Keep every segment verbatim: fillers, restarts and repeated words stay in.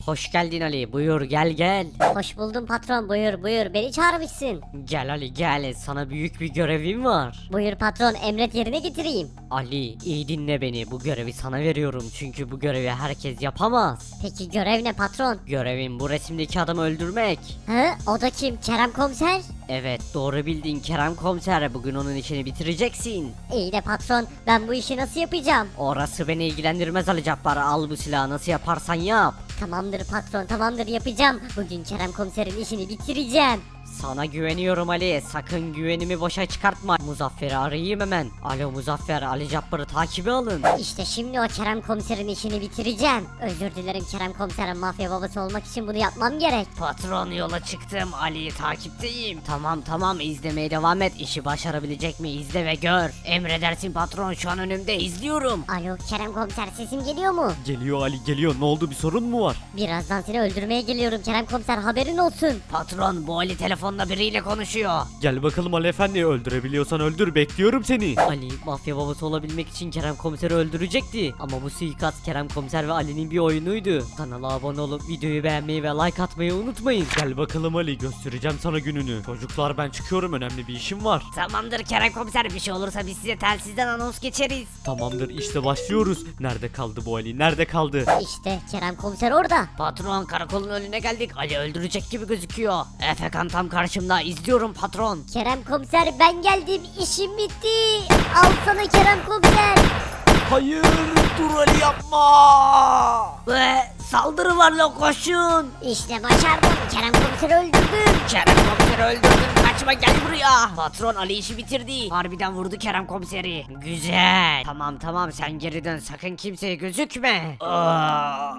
Hoş geldin Ali, buyur gel gel. Hoş buldum patron, buyur buyur, beni çağırmışsın. Gel Ali gel, sana büyük bir görevim var. Buyur patron, emret yerine getireyim. Ali iyi dinle beni, bu görevi sana veriyorum çünkü bu görevi herkes yapamaz. Peki görev ne patron? Görevim bu resimdeki adamı öldürmek. Hı, o da kim, Kerem komiser? Evet doğru bildin Kerem komiser, bugün onun işini bitireceksin. İyi de patron, ben bu işi nasıl yapacağım? Orası beni ilgilendirmez Ali Cabbar, al bu silahı nasıl yaparsan yap. Tamamdır patron, tamamdır yapacağım. Bugün Kerem komiserin işini bitireceğim. Sana güveniyorum Ali, sakın güvenimi boşa çıkartma. Muzaffer'i arayayım hemen. Alo Muzaffer, Ali Cabbar'ı takibe alın. İşte şimdi o Kerem komiserin işini bitireceğim. Özür dilerim Kerem komiserin mafya babası olmak için bunu yapmam gerek. Patron yola çıktım, Ali'yi takipteyim. Tamam tamam izlemeye devam et, işi başarabilecek mi izle ve gör. Emredersin patron, şu an önümde izliyorum. Alo Kerem komiser, sesim geliyor mu? Geliyor Ali geliyor, ne oldu, bir sorun mu var? Birazdan seni öldürmeye geliyorum Kerem komiser, haberin olsun. Patron bu Ali telefonda biriyle konuşuyor. Gel bakalım Ali efendi, öldürebiliyorsan öldür, bekliyorum seni. Ali mafya babası olabilmek için Kerem komiseri öldürecekti. Ama bu suikast Kerem komiser ve Ali'nin bir oyunuydu. Kanala abone olup videoyu beğenmeyi ve like atmayı unutmayın. Gel bakalım Ali, göstereceğim sana gününü. Çocuklar ben çıkıyorum, önemli bir işim var. Tamamdır Kerem komiser, bir şey olursa biz size telsizden anons geçeriz. Tamamdır, işte başlıyoruz. Nerede kaldı bu Ali, nerede kaldı? İşte Kerem komiser orada. Patron karakolun önüne geldik, Ali öldürecek gibi gözüküyor. Efekan tam karşımda, izliyorum patron. Kerem komiser ben geldim, işim bitti. Al sana Kerem komiser. Hayır, dur Ali yapma. Ve saldırı var la, koşun. İşte başardım, Kerem komiseri öldürdüm. Kerem komiseri öldürdün, kaçma gel buraya. Patron Ali işi bitirdi. Harbiden vurdu Kerem komiseri. Güzel. Tamam tamam sen geri dön, sakın kimseye gözükme. Aa,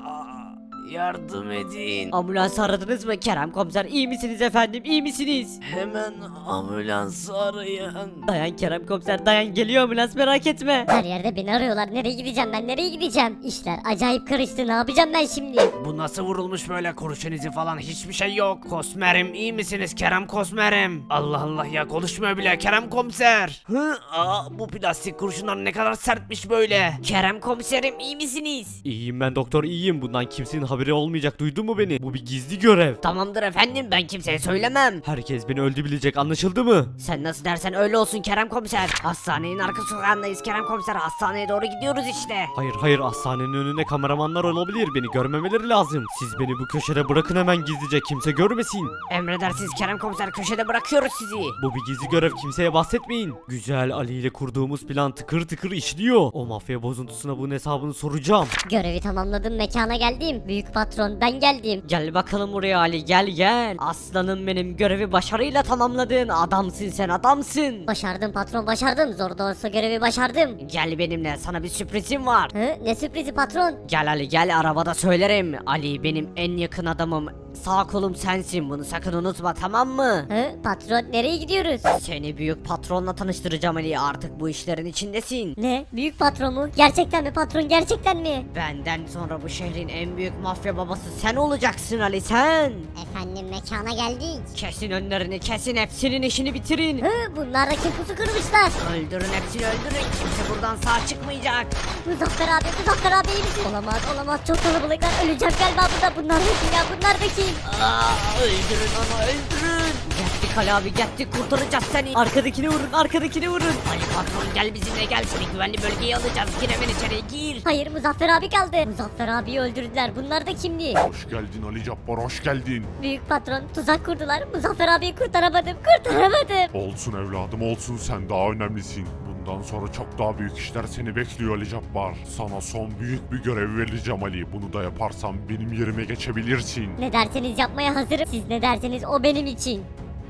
yardım edin. Ambulans aradınız mı Kerem komiser? İyi misiniz efendim, iyi misiniz? Hemen ambulans arayın. Dayan Kerem komiser dayan, geliyor ambulans, merak etme. Her yerde beni arıyorlar, nereye gideceğim ben, nereye gideceğim? İşler acayip karıştı, ne yapacağım ben şimdi? Bu nasıl vurulmuş böyle, kurşun izi falan hiçbir şey yok. Kosmerim iyi misiniz Kerem Kosmerim? Allah Allah ya, konuşmuyor bile Kerem komiser. Hı? Aa, bu plastik kurşunlar ne kadar sertmiş böyle. Kerem komiserim iyi misiniz? İyiyim ben doktor, iyiyim. Bundan kimsenin haberi olmayacak, duydun mu beni? Bu bir gizli görev. Tamamdır efendim, ben kimseye söylemem. Herkes beni öldü bilecek, anlaşıldı mı? Sen nasıl dersen öyle olsun Kerem komiser. Hastanenin arka sokağındayız Kerem komiser. Hastaneye doğru gidiyoruz işte. Hayır hayır, hastanenin önünde kameramanlar olabilir, beni görmemeleri lazım. Siz beni bu köşede bırakın hemen gizlice, kimse görmesin. Emredersiniz Kerem komiser, köşede bırakıyoruz sizi. Bu bir gizli görev, kimseye bahsetmeyin. Güzel, Ali ile kurduğumuz plan tıkır tıkır işliyor. O mafya bozuntusuna bunun hesabını soracağım. Görevi tamamladım, mekana geldim. Büyük patron ben geldim. Gel bakalım buraya Ali, gel gel. Aslanım benim, görevi başarıyla tamamladın. Adamsın sen, adamsın. Başardım patron, başardım. Zor da olsa görevi başardım. Gel benimle, sana bir sürprizim var. Hı, ne sürprizi patron? Gel Ali gel, arabada söylerim. Ali benim en yakın adamım. Sağ kolum sensin, bunu sakın unutma, tamam mı? Hı, patron nereye gidiyoruz? Seni büyük patronla tanıştıracağım Ali, artık bu işlerin içindesin. Ne? Büyük patron mu? Gerçekten mi patron, gerçekten mi? Benden sonra bu şehrin en büyük mafya babası sen olacaksın Ali, sen. Efendim mekana geldik. Kesin önlerini, kesin, hepsinin işini bitirin. Hı, bunlar da kim pusu kırmışlar? Öldürün hepsini, öldürün, kimse buradan sağ çıkmayacak. Muzaffer abi, Muzaffer abi iyi misin? Olamaz, olamaz, çok kalabalıklar, öleceğim galiba burada. Bunlar da kim ya, bunlar da kim? Aa, öldürün onu, öldürün. Geldik Ali abi, geldik, kurtaracağız seni. Arkadakini vurun, arkadakini vurun. Ali patron gel bizimle, gel, seni güvenli bölgeye alacağız. Gir hemen içeriye, gir. Hayır, Muzaffer abi kaldı. Muzaffer abiyi öldürdüler, bunlar da kimdi? Hoş geldin Ali Cabbar, hoş geldin. Büyük patron, tuzak kurdular. Muzaffer abiyi kurtaramadım, kurtaramadım. Olsun evladım olsun, sen daha önemlisin. Bundan sonra çok daha büyük işler seni bekliyor Ali Cabbar. Sana son büyük bir görev vereceğim Ali. Bunu da yaparsan benim yerime geçebilirsin. Ne derseniz yapmaya hazırım. Siz ne derseniz o benim için.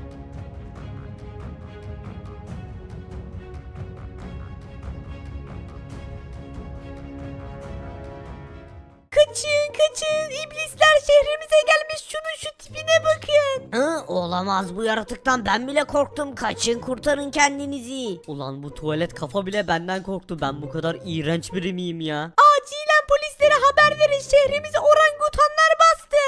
Kaçın, kaçın. İblisler şehrimize gelmiş. Şunun şu tipine bakın. Hı, olamaz, bu yaratıktan ben bile korktum. Kaçın, kurtarın kendinizi. Ulan bu tuvalet kafa bile benden korktu. Ben bu kadar iğrenç biri miyim ya? Acilen polislere haber verin. Şehrimizi orangutanlar bastı.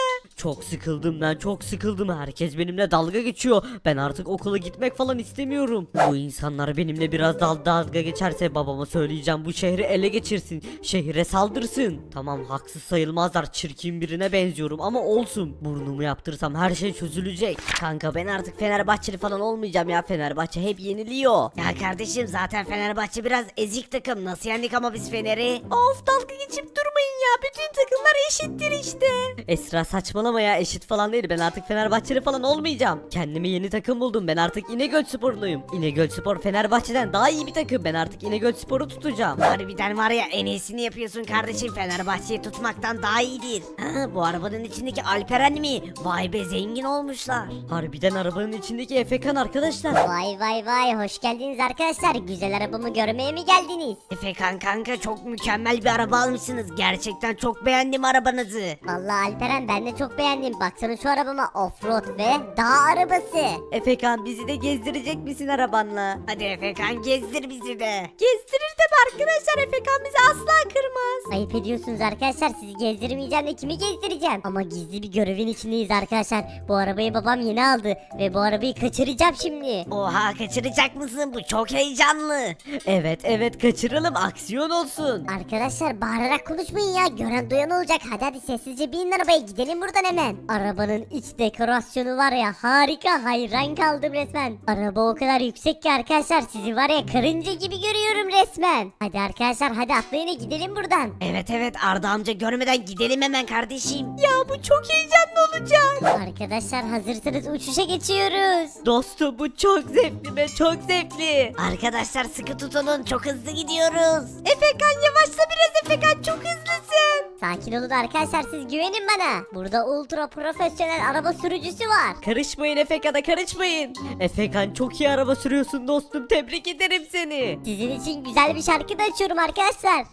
Çok sıkıldım ben çok sıkıldım. Herkes benimle dalga geçiyor. Ben artık okula gitmek falan istemiyorum. Bu insanlar benimle biraz dal dalga geçerse babama söyleyeceğim, bu şehri ele geçirsin. Şehre saldırsın. Tamam, haksız sayılmazlar, çirkin birine benziyorum ama olsun. Burnumu yaptırsam her şey çözülecek. Kanka ben artık Fenerbahçeli falan olmayacağım ya, Fenerbahçe hep yeniliyor. Ya kardeşim zaten Fenerbahçe biraz ezik takım, nasıl yendik ama biz Fener'i? Of dalga geçip durmayın ya, bütün takımlar eşittir işte. Esra saçmalama ya, eşit falan değil. Ben artık Fenerbahçeli falan olmayacağım. Kendime yeni takım buldum. Ben artık İnegöl Sporluyum. İnegöl Spor Fenerbahçe'den daha iyi bir takım. Ben artık İnegöl Spor'u tutacağım. Harbiden var ya, en iyisini yapıyorsun kardeşim, Fenerbahçe'yi tutmaktan daha iyidir. Ha, bu arabanın içindeki Alperen mi? Vay be, zengin olmuşlar. Harbiden arabanın içindeki Efekan arkadaşlar. Vay vay vay, hoş geldiniz arkadaşlar. Güzel arabamı görmeye mi geldiniz? Efekan kanka çok mükemmel bir araba almışsınız. Gerçekten çok beğendim arabanızı. Vallahi Alperen, ben de çok beğendim. Baksana şu arabama, offroad ve dağ arabası. Efekan bizi de gezdirecek misin arabanla? Hadi Efekan gezdir bizi de. Gezdirir tabi arkadaşlar, Efekan bizi asla kırmaz. Ayıp ediyorsunuz arkadaşlar, sizi gezdirmeyeceğim de kimi gezdireceğim? Ama gizli bir görevin içindeyiz arkadaşlar. Bu arabayı babam yeni aldı ve bu arabayı kaçıracağım şimdi. Oha, kaçıracak mısın? Bu çok heyecanlı. Evet evet, kaçıralım, aksiyon olsun. Arkadaşlar bağırarak konuşmayın ya, gören duyan olacak. Hadi hadi sessizce binin arabaya, gidelim buradan hemen. Arabanın iç dekorasyonu var ya, harika, hayran kaldım resmen. Araba o kadar yüksek ki arkadaşlar, sizi var ya karınca gibi görüyorum resmen. Hadi arkadaşlar, hadi atlayın gidelim buradan. Evet evet, Arda amca görmeden gidelim hemen kardeşim. Ya bu çok heyecanlı olacak. Arkadaşlar hazırsanız uçuşa geçiyoruz. Dostum bu çok zevkli be, çok zevkli. Arkadaşlar sıkı tutunun, çok hızlı gidiyoruz. Efekan yavaşla biraz, Efekan çok hızlısın. Sakin olun arkadaşlar, siz güvenin bana. Burada ultra profesyonel araba sürücüsü var. Karışmayın Efekan'a, karışmayın. Efekan çok iyi araba sürüyorsun dostum, tebrik ederim seni. Sizin için güzel bir şarkı da açıyorum arkadaşlar.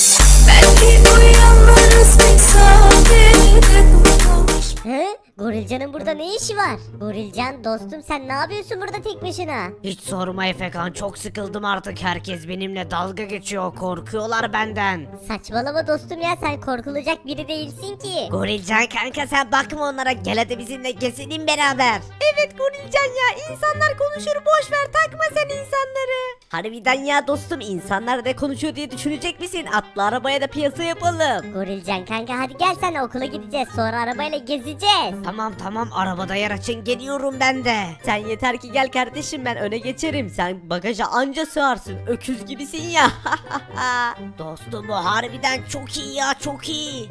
Belki bu yalnız tesadüf. Hı? Gorilcan'ın burada ne işi var? Gorilcan dostum, sen ne yapıyorsun burada tek başına? Hiç sorma Efekan, çok sıkıldım artık, herkes benimle dalga geçiyor, korkuyorlar benden. Saçmalama dostum ya, sen korkulacak biri değilsin ki. Gorilcan kanka sen bakma onlara, gel hadi bizimle gezelim beraber. Evet Gorilcan ya, insanlar konuşur, boş ver, takma sen insanları. Harbiden ya dostum, insanlar ne konuşuyor diye düşünecek misin? Atla arabaya da piyasa yapalım. Gorilcan kanka, hadi gel, sen okula gideceğiz, sonra arabayla gezeceğiz. Tamam tamam, arabada yer açın, geliyorum ben de. Sen yeter ki gel kardeşim, ben öne geçerim. Sen bagaja anca sığarsın, öküz gibisin ya. Dostum bu harbiden çok iyi ya, çok iyi.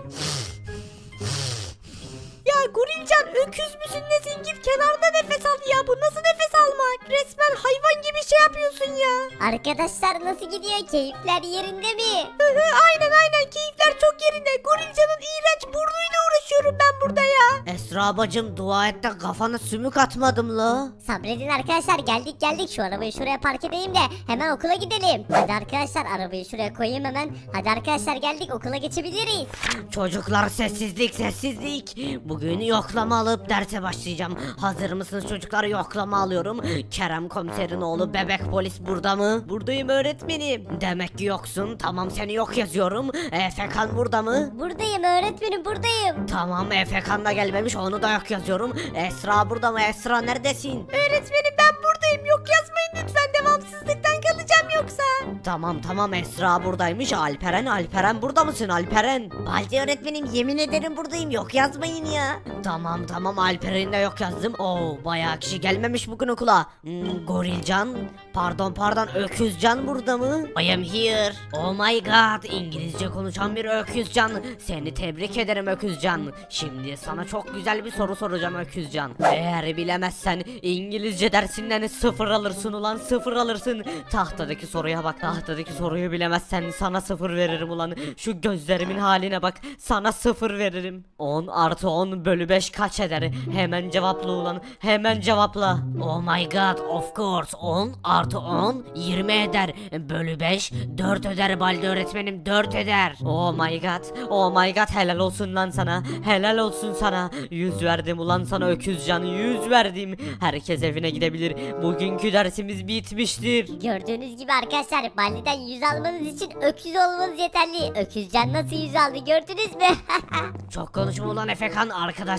Ya Gorilcan, öküz müsün nesin, git kenarda nefes al ya, bu nasıl nefes almak, resmen hayvan gibi şey yapıyorsun ya. Arkadaşlar nasıl gidiyor, keyifler yerinde mi? Aynen aynen, keyifler çok yerinde. Gorilcan'ın iğrenç burnuyla uğraşıyorum ben burada ya. Esra bacım, dua et de kafana sümük atmadım la. Sabredin arkadaşlar, geldik geldik, şu arabayı şuraya park edeyim de hemen okula gidelim. Hadi arkadaşlar, arabayı şuraya koyayım hemen. Hadi arkadaşlar, geldik, okula geçebiliriz. Çocuklar sessizlik sessizlik. Bugün yoklama alıp derse başlayacağım. Hazır mısınız çocuklar? Yoklama alıyorum. Kerem komiserin oğlu bebek polis burada mı? Buradayım öğretmenim. Demek ki yoksun. Tamam, seni yok yazıyorum. Efekan burada mı? Buradayım öğretmenim, buradayım. Tamam, Efekan da gelmemiş, onu da yok yazıyorum. Esra burada mı? Esra neredesin? Öğretmenim ben buradayım, yok yazmayın lütfen, devamsızlıktan kalacağım yoksa. Tamam tamam, Esra buradaymış. Alperen Alperen burada mısın Alperen? Baldi öğretmenim yemin ederim buradayım, yok yazmayın ya. Tamam tamam, Alperen'i de yok yazdım. Oo, bayağı kişi gelmemiş bugün okula. Hmm, Gorilcan, pardon pardon, Öküzcan burada mı? I am here. Oh my god, İngilizce konuşan bir Öküzcan. Seni tebrik ederim Öküzcan. Şimdi sana çok güzel bir soru soracağım Öküzcan. Eğer bilemezsen İngilizce dersinden sıfır alırsın ulan, sıfır alırsın. Tahtadaki soruya bak, tahtadaki soruyu bilemezsen sana sıfır veririm ulan. Şu gözlerimin haline bak, sana sıfır veririm. on artı on bölü beş kaç eder? Hemen cevapla ulan, hemen cevapla. Oh my god, of course, on artı on yirmi eder. Bölü beş dört eder Baldi öğretmenim, dört eder. Oh my god, oh my god, helal olsun lan sana, helal olsun sana. Yüz verdim ulan sana Öküzcan, yüz verdim. Herkes evine gidebilir, bugünkü dersimiz bitmiştir. Gördüğünüz gibi arkadaşlar, Baldi'den yüz almanız için öküz olmanız yeterli. Öküzcan nasıl yüz aldı gördünüz mü? Çok konuşma ulan Efekan, arkadaş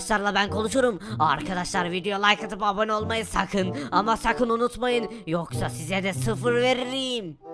arkadaşlarla ben konuşurum. Arkadaşlar video like atıp abone olmayı sakın ama sakın unutmayın. Yoksa size de sıfır veririm.